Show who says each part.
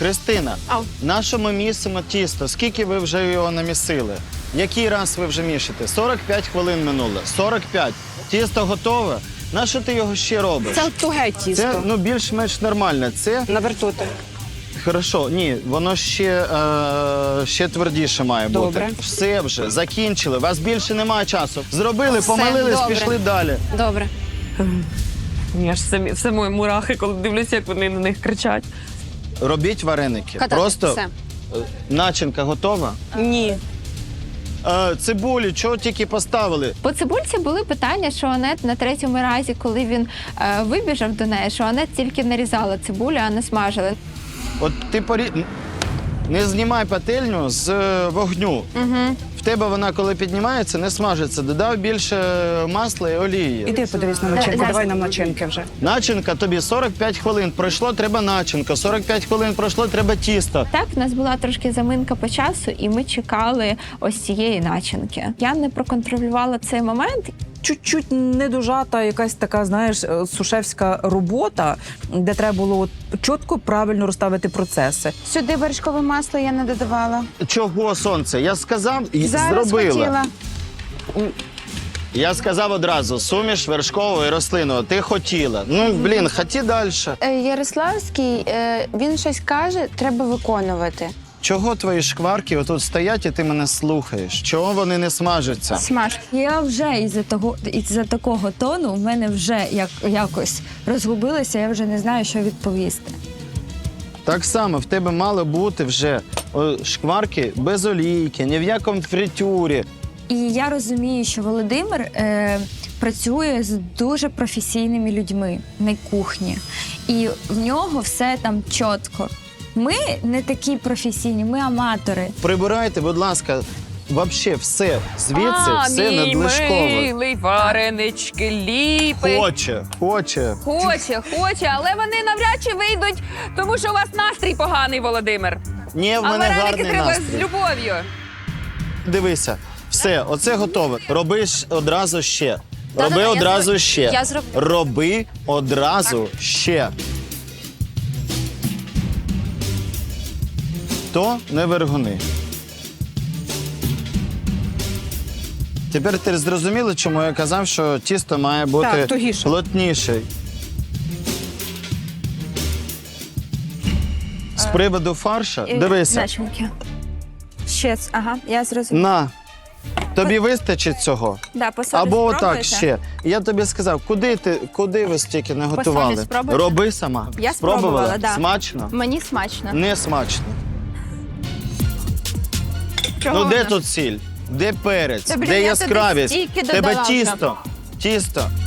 Speaker 1: Христина,
Speaker 2: Ау.
Speaker 1: на що ми місимо тісто? Скільки ви вже його намісили? Який раз ви вже мішите? 45 хвилин минуло. 45. Тісто готове. На що ти його ще робиш?
Speaker 2: Це туге тісто.
Speaker 1: Це ну, більш-менш нормально. Це
Speaker 2: На вертути.
Speaker 1: хорошо. Ні, воно ще твердіше має бути.
Speaker 2: Добре.
Speaker 1: Все вже, закінчили. У вас більше немає часу. Зробили,
Speaker 2: Все,
Speaker 1: помилились,
Speaker 2: добре.
Speaker 1: пішли далі.
Speaker 2: Добре.
Speaker 3: Я ж все мої мурахи, коли дивлюся, як вони на них кричать.
Speaker 1: Робіть вареники.
Speaker 2: Катати.
Speaker 1: Просто
Speaker 2: Все.
Speaker 1: начинка готова.
Speaker 3: Ні.
Speaker 1: Цибулю, чого тільки поставили?
Speaker 4: По цибульці були питання, що Анет на третьому разі, коли він вибіжав до неї, що Анет тільки нарізала цибулю, а не смажила.
Speaker 1: От ти не знімай пательню з вогню.
Speaker 4: Угу.
Speaker 1: В тебе вона, коли піднімається, не смажиться. Додав більше масла і олії.
Speaker 2: Іди подивись на начинку,
Speaker 4: Зараз.
Speaker 2: давай нам начинки вже.
Speaker 1: Начинка тобі 45 хвилин пройшло, треба начинка. 45 хвилин пройшло, треба тісто.
Speaker 4: Так, в нас була трошки заминка по часу, і ми чекали ось цієї начинки. Я не проконтролювала цей момент.
Speaker 5: Чуть-чуть недожата якась така, знаєш, сушевська робота, де треба було от чітко, правильно розставити процеси.
Speaker 6: Сюди вершкове масло я не додавала.
Speaker 1: Чого, сонце? Я сказав і
Speaker 6: Зараз
Speaker 1: зробила.
Speaker 6: хотіла.
Speaker 1: Я сказав одразу, суміш вершкового і рослинного. Ти хотіла. Ну, блін, хоті далі.
Speaker 6: Ярославський, він щось каже, треба виконувати.
Speaker 1: Чого твої шкварки отут стоять і ти мене слухаєш? Чого вони не смажаться?
Speaker 6: Смаж.
Speaker 7: Я вже із-за такого тону в мене вже якось розгубилася, я вже не знаю, що відповісти.
Speaker 1: Так само в тебе мало бути вже шкварки без олійки, ні в якому фритюрі.
Speaker 7: І я розумію, що Володимир працює з дуже професійними людьми на кухні. І в нього все там чітко. Ми не такі професійні, ми аматори.
Speaker 1: Прибирайте, будь ласка, вообще все звідси, все надлишково.
Speaker 3: Милий, варенички ліпить.
Speaker 1: Хоче.
Speaker 3: Хоче, але вони навряд чи вийдуть, тому що у вас настрій поганий, Володимир.
Speaker 1: Ні, в
Speaker 3: А
Speaker 1: мене
Speaker 3: вареники
Speaker 1: гарний
Speaker 3: треба з
Speaker 1: настрій.
Speaker 3: любов'ю.
Speaker 1: Дивися, все, оце готове. Роби одразу ще.
Speaker 2: Да-да-да,
Speaker 1: Роби
Speaker 2: я
Speaker 1: одразу
Speaker 2: зроб-
Speaker 1: ще.
Speaker 2: я зроблю.
Speaker 1: Роби одразу ще. То не вергуни. Тепер ти зрозуміли, чому я казав, що тісто має бути
Speaker 2: Так, тугіше.
Speaker 1: плотніше. З приводу фарша, дивися.
Speaker 7: Начинки. Ще, ага, я зрозуміла.
Speaker 1: На. Тобі вистачить цього?
Speaker 7: Да, посолі
Speaker 1: Або отак
Speaker 7: спробуєте?
Speaker 1: ще. Я тобі сказав, куди ви стільки не готували?
Speaker 7: спробуєте?
Speaker 1: Роби сама.
Speaker 7: Я спробувала, да.
Speaker 1: Смачно?
Speaker 7: Мені смачно.
Speaker 1: Не смачно.
Speaker 7: Чого
Speaker 1: Ну де
Speaker 7: вона?
Speaker 1: тут сіль? Де перець?
Speaker 4: Та, блін,
Speaker 1: де
Speaker 4: я
Speaker 1: яскравість?
Speaker 4: туди стільки
Speaker 1: Тебе
Speaker 4: додала вже.
Speaker 1: тісто. Тісто.